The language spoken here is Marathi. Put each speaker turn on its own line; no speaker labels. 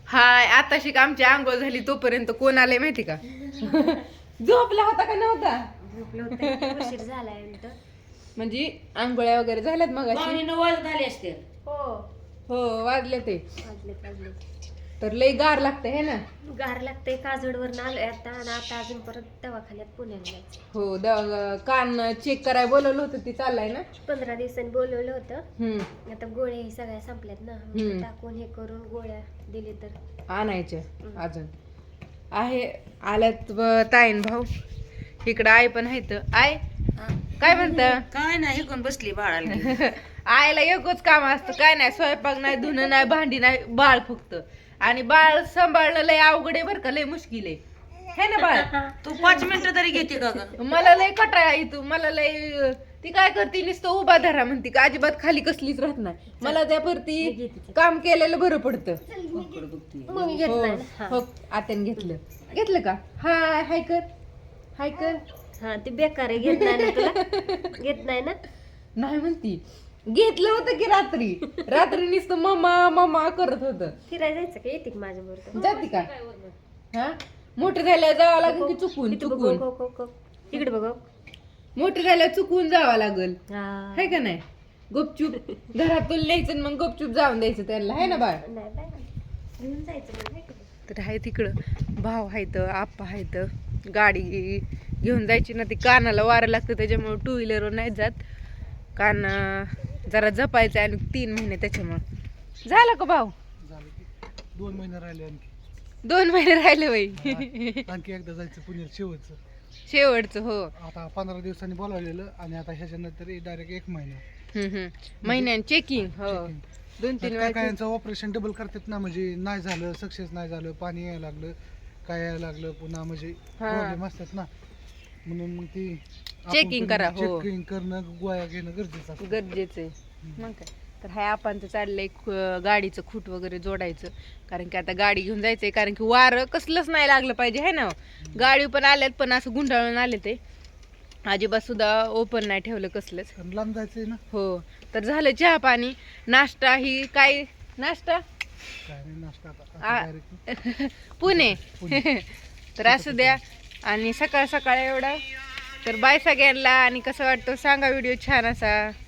हाय आताशी आमची आंघोळ झाली तोपर्यंत कोण आले माहिती का? झोपला होता का नव्हता?
झोपलं होतं उशीर झालाय उलट.
म्हणजे आंघोळ्या वगैरे झाल्यात मग
पाहुणे 9 वाजत आले असते.
हो
हो वाजले ते.
वाजले
तर लई गार लागते हे ना.
गार लागतंय. काजोडवरून आलोय आता आणि आता अजून परत दवाखान्यात पुण्याला जायचं.
हो कान चेक करायला बोलवलं होतं ती चाललाय ना.
15 दिवसांनी बोलवलं होतं. आता गोळ्या ही सगळ्या संपल्यात ना. टाकून हे करून गोळ्या दिले तर
आणायच्या अजून आहे. आल्यात ताईन भाऊ इकडं आई पण आहेत. आय काय म्हणत?
काय नाही कोण बसली बाळाला घेऊन.
आईला एकच काम असतं, काय नाही, स्वयंपाक नाही, धुणं नाही, भांडी नाही, बाळ फक्त. आणि बाळ सांभाळणं लय अवघड आहे बरं का, लय मुश्किल आहे है ना बाळ.
तू 5 मिनिटं तरी घेते का ग?
मला लय कटाळा येतो. मला लय ती काय करते नुसतं उभा धरा म्हणते का, अजिबात खाली कसलीच राहत नाही. मला त्यावरती काम केलेलं बरं पडतं.
मग मी घेत
हो
नाही ना.
हो आत्याने घेतलं का? हाय कर.
हा ते बेकार आहे. घेत नाही ना तुला? घेत नाही ना?
नाही म्हणती. घेतलं होतं की रात्री नुसतं मम्मा करत होतं.
फिरायला जायचं का? येते का माझ्या बरोबर?
जाते का? हा मोठे झाल्यावर जावं लागेल की चुकून
इकडे बघ.
मोठे झाल्यावर चुकून जावं लागल
हा.
है का नाही? गुपचूप घरातून न्यायचं आणि मग गुपचूप जाऊन द्यायचं त्यांना, है ना बाळ?
नाही बाय. घेऊन जायचं मग, नाही का?
तर आहे तिकडं भाव आहेत, आप्पा आहेत. गाडी घेऊन जायची ना, ती कानाला वारं लागतं त्याच्यामुळे 2 व्हीलरवर नाही जात. कान जरा जपायचं आणि 3 महिने त्याच्यामुळे. झालं का भाऊ?
2 महिने राहिले आणखी.
2 महिने राहिले बाई.
आणखी एकदा जायचं पुण्यात
शेवटचं हो.
आता 15 दिवसांनी बोलावलेलं आणि आता ह्याच्यानंतर डायरेक्ट 1 महिना
महिन्यान चेकिंग हो. 2-3
काय
वेळा
यांचं ऑपरेशन डबल करतात ना, म्हणजे नाही झालं, सक्सेस नाही झालं, पाणी यायला लागलं, काय यायला लागलं, पुन्हा म्हणजे प्रॉब्लेम असतात ना, म्हणून मग ती
Checking करा, हो.
चेकिंग करणं, गोळ्या घेणं गरजेचं असतं.
गरजेचं आहे मग काय. तर हाय आपण तर चाललंय गाडीचं खूट वगैरे जोडायचं, कारण की आता गाडी घेऊन जायचंय. कारण की वारं कसलंच नाही लागलं पाहिजे है ना. गाडी पण आल्यात पण असं गुंडाळून आले ते, अजिबात सुद्धा ओपन नाही ठेवलं कसलंच.
आणि लांब जायचंय ना.
हो तर झालं चहा पाणी नाश्ता. ही काय नाश्ता?
काय नाही नाश्ता आता direct
पुणे. तर असू द्या. आणि सकाळ एवढा तर बाय सगळ्यांना. आणि कसं वाटतं सांगा व्हिडिओ छान असा.